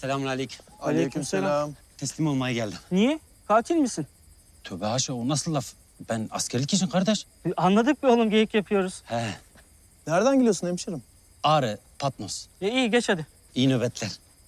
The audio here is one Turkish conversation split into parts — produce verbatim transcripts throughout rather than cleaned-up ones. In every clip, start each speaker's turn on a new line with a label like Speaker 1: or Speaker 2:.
Speaker 1: Selamünaleyküm.
Speaker 2: Aleykümselam.
Speaker 1: Teslim olmaya geldim.
Speaker 3: Niye? Katil misin?
Speaker 1: Tövbe haşa, o nasıl laf? Ben askerlik için kardeş.
Speaker 3: E, Anladık be oğlum, geyik yapıyoruz.
Speaker 1: He.
Speaker 2: Nereden geliyorsun hemşerim?
Speaker 1: Ağrı, Patmos.
Speaker 3: E, iyi geç hadi.
Speaker 1: İyi nöbetler.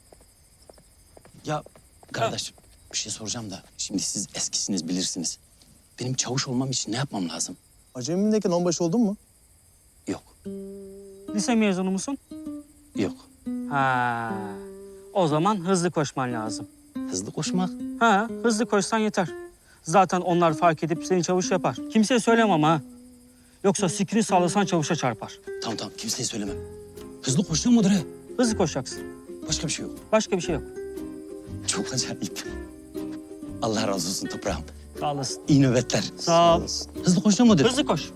Speaker 1: Ya kardeşim, bir şey soracağım da. Şimdi siz eskisiniz, bilirsiniz. Benim çavuş olmam için ne yapmam lazım?
Speaker 2: Acemimdeyken onbaşı oldun mu?
Speaker 1: Yok,
Speaker 3: Lise mezunu musun?
Speaker 1: yok.
Speaker 3: Ha. O zaman hızlı koşman lazım.
Speaker 1: Hızlı koşmak.
Speaker 3: Ha, hızlı koşsan yeter. Zaten onlar fark edip seni çavuş yapar. Kimseye söylemem ama ha. Yoksa sikini sallasan çavuşa çarpar.
Speaker 1: Tamam tamam, kimseye söylemem. Hızlı koşuyor mudur he?
Speaker 3: Hızlı koşacaksın.
Speaker 1: Başka bir şey yok.
Speaker 3: Başka bir şey yok.
Speaker 1: Çok acayip. Allah razı olsun toprağım.
Speaker 3: Sağ olasın.
Speaker 1: İyi nöbetler.
Speaker 3: Sağ ol.
Speaker 1: Hızlı koşuyor mudur?
Speaker 3: Hızlı koş.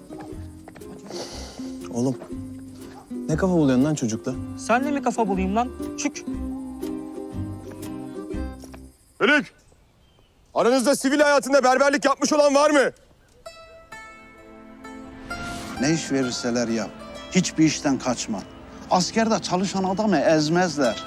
Speaker 2: Oğlum, ne kafa buluyorsun lan çocukla?
Speaker 3: Sen de mi kafa bulayım lan? Çük.
Speaker 4: Bölük! Aranızda sivil hayatında berberlik yapmış olan var mı?
Speaker 5: Ne iş verirseler yap. Hiçbir işten kaçma. Askerde çalışan adamı ezmezler.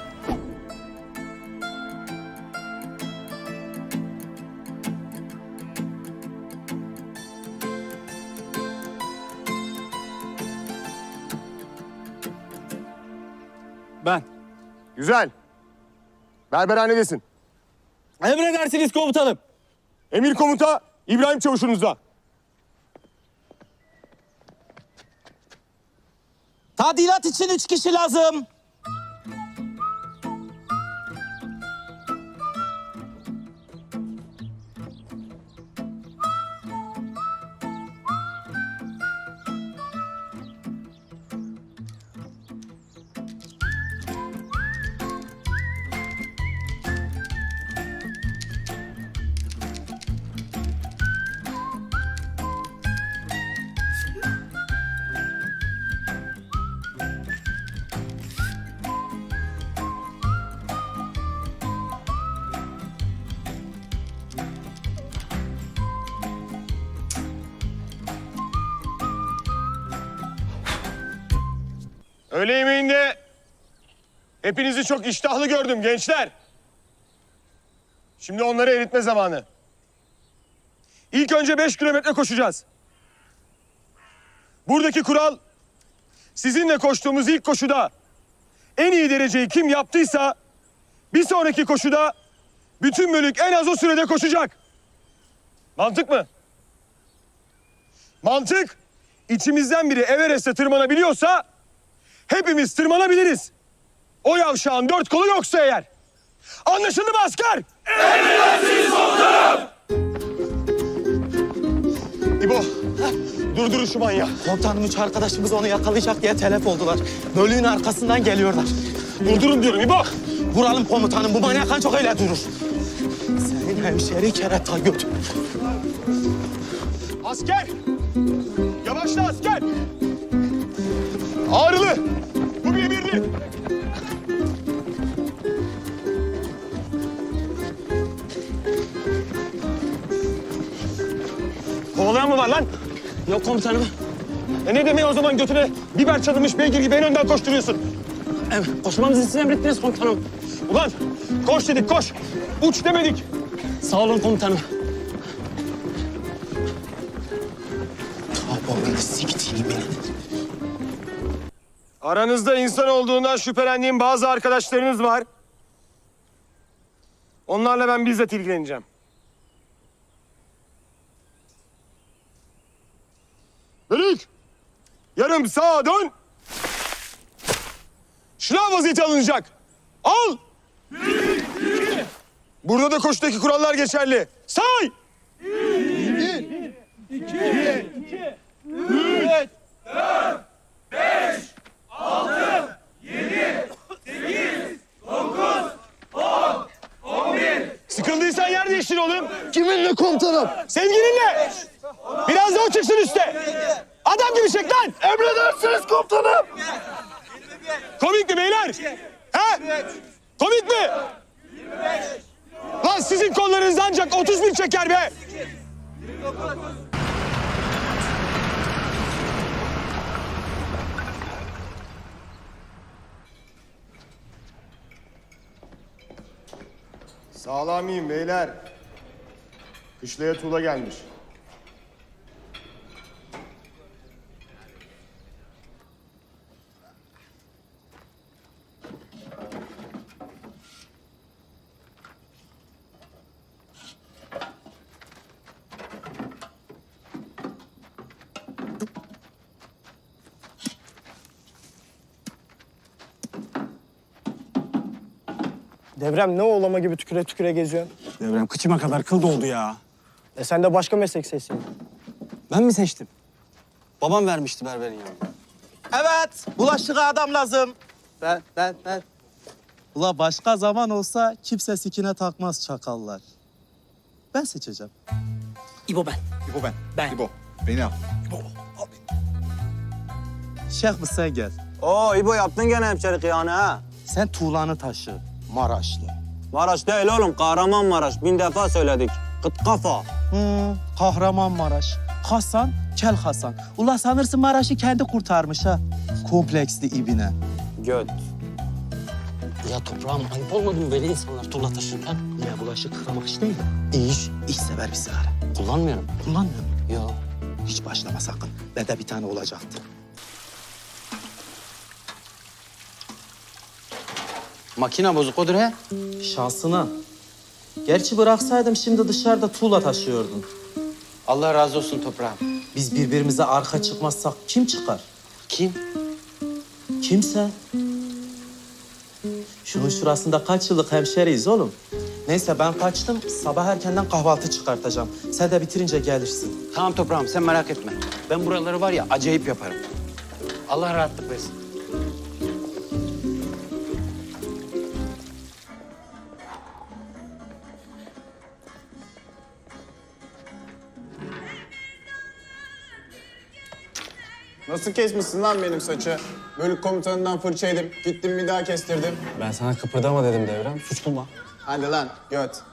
Speaker 2: Ben.
Speaker 4: Güzel. Berberhanedesin.
Speaker 2: Emredersiniz komutanım.
Speaker 4: Emir komuta İbrahim Çavuş'unuzda.
Speaker 6: Tadilat için üç kişi lazım.
Speaker 4: Öğle yemeğinde hepinizi çok iştahlı gördüm gençler. Şimdi onları eritme zamanı. İlk önce beş kilometre koşacağız. Buradaki kural, sizinle koştuğumuz ilk koşuda en iyi dereceyi kim yaptıysa bir sonraki koşuda bütün bölük en az o sürede koşacak. Mantık mı? Mantık, içimizden biri Everest'e tırmanabiliyorsa hepimiz tırmanabiliriz. O yavşağın dört kolu yoksa eğer. Anlaşıldı mı asker? Emredersiniz komutanım. İbo, durdurun şu manyağı.
Speaker 6: Komutanım, üç arkadaşımız onu yakalayacak diye telef oldular. Bölüğün arkasından geliyorlar.
Speaker 4: Durdurun diyorum İbo.
Speaker 6: Vuralım komutanım, bu manyakan çok öyle durur. Senin hemşeri kerata götür.
Speaker 4: Asker! Yavaşla asker! Ağrılı! Bu bir emirdi. Kovalayan mı var lan?
Speaker 3: Yok komutanım.
Speaker 4: E ne demeyi o zaman götüne biber çalınmış beygir gibi en önden koşturuyorsun?
Speaker 3: Evet, koşmamızı siz emrettiniz komutanım.
Speaker 4: Ulan koş dedik koş. Uç demedik.
Speaker 3: Sağ olun komutanım.
Speaker 6: Tabanını siktiğini beni.
Speaker 4: Aranızda insan olduğundan şüphelendiğim bazı arkadaşlarınız var. Onlarla ben bizzat ilgileneceğim. Bölük! Yarım sağa dön. Şınav vaziyeti alınacak. Al! Burada da koşudaki kurallar geçerli. Say! Sıkıldıysan yer değiştir oğlum.
Speaker 5: Kiminle komutanım?
Speaker 4: Sevgilinle. Biraz da o çıksın üste. Adam gibi çek lan.
Speaker 5: Emredersiniz komutanım.
Speaker 4: Komik mi beyler? He? Komik mi? Lan sizin kollarınız ancak otuz bin çeker be. Sağlamıyım beyler. Kışlaya tuğla gelmiş.
Speaker 7: Devrem ne oğlama gibi tüküre tüküre geziyorsun?
Speaker 8: Devrem kıçıma kadar kıl doldu ya.
Speaker 7: E sen de başka meslek seçsin.
Speaker 8: Ben mi seçtim? Babam vermişti berberin yanına.
Speaker 6: Evet, bulaşığa adam lazım. Ben, ben, ben. Ula başka zaman olsa kimse sikine takmaz çakallar. Ben seçeceğim.
Speaker 3: İbo ben.
Speaker 9: İbo ben.
Speaker 3: Ben.
Speaker 9: İbo. Beni al.
Speaker 6: Şeyh mi sen gel.
Speaker 8: Oo İbo yaptın gene hemşerik yani ha.
Speaker 6: Sen tuğlanı taşı. Maraşlı.
Speaker 8: Maraş değil oğlum, Kahramanmaraş. Bin defa söyledik. Kıt kafa.
Speaker 6: Hı, Kahramanmaraş. Hasan, Kel Hasan. Ula sanırsın Maraş'ı kendi kurtarmış ha. Kompleksli ibine.
Speaker 8: Göt.
Speaker 3: Ya toprağım ayıp olmadı mı böyle insanlar tuğla taşırken?
Speaker 6: Ya bulaşık yıkamak iş değil. İyi iş. İş sever bir sigara.
Speaker 3: Kullanmıyorum.
Speaker 6: Kullanmıyor musun?
Speaker 3: Yok.
Speaker 6: Hiç başlama sakın. Bende bir tane olacaktı.
Speaker 1: Makine bozuk odur he.
Speaker 6: Şansına. Gerçi bıraksaydım şimdi dışarıda tuğla taşıyordun.
Speaker 1: Allah razı olsun toprağım.
Speaker 6: Biz birbirimize arka çıkmazsak kim çıkar?
Speaker 1: Kim?
Speaker 6: Kimse. Şunun şurasında kaç yıllık hemşeriyiz oğlum. Neyse ben kaçtım. Sabah erkenden kahvaltı çıkartacağım. Sen de bitirince gelirsin.
Speaker 1: Tamam toprağım sen merak etme. Ben buraları var ya acayip yaparım. Allah rahatlık versin.
Speaker 2: Nasıl kesmişsin lan benim saçı? Bölük komutanından fırça yedim. Gittim bir daha kestirdim.
Speaker 8: Ben sana kıpırdama dedim Devrem. Suç bulma.
Speaker 2: Hadi lan göt.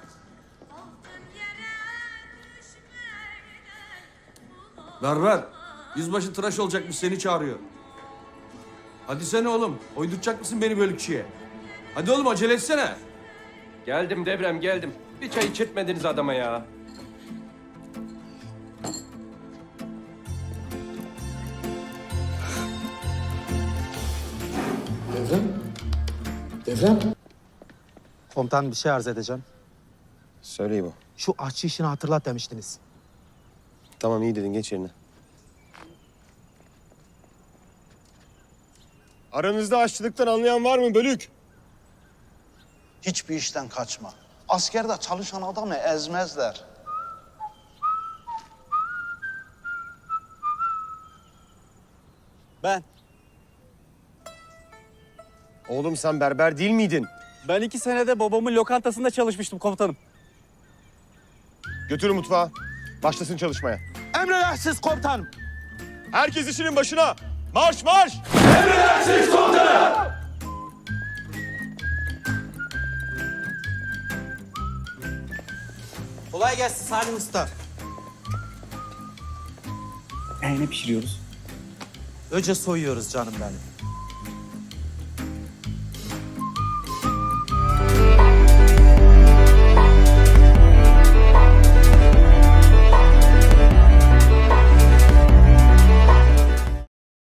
Speaker 10: Berber, yüzbaşı tıraş olacakmış seni çağırıyor. Hadi sen oğlum, oyduracak mısın beni bölükçüye? Hadi oğlum acele etsene.
Speaker 11: Geldim Devrem geldim. Bir çay içirtmediniz adama ya.
Speaker 6: Komutan bir şey arz edeceğim.
Speaker 4: Söyle İbo.
Speaker 6: Şu aşçı işini hatırlat demiştiniz.
Speaker 4: Tamam iyi dedin geç yerine. Aranızda aşçılıktan anlayan var mı bölük?
Speaker 5: Hiçbir işten kaçma. Askerde çalışan adamı ezmezler.
Speaker 8: Ben.
Speaker 4: Oğlum sen berber değil miydin?
Speaker 8: Ben iki senede babamın lokantasında çalışmıştım komutanım.
Speaker 4: Götürün mutfağa. Başlasın çalışmaya.
Speaker 6: Emredersiniz komutanım.
Speaker 4: Herkes işinin başına. Marş marş!
Speaker 6: Kolay gelsin Salim Usta.
Speaker 8: E ne pişiriyoruz?
Speaker 6: Önce soyuyoruz canım benim.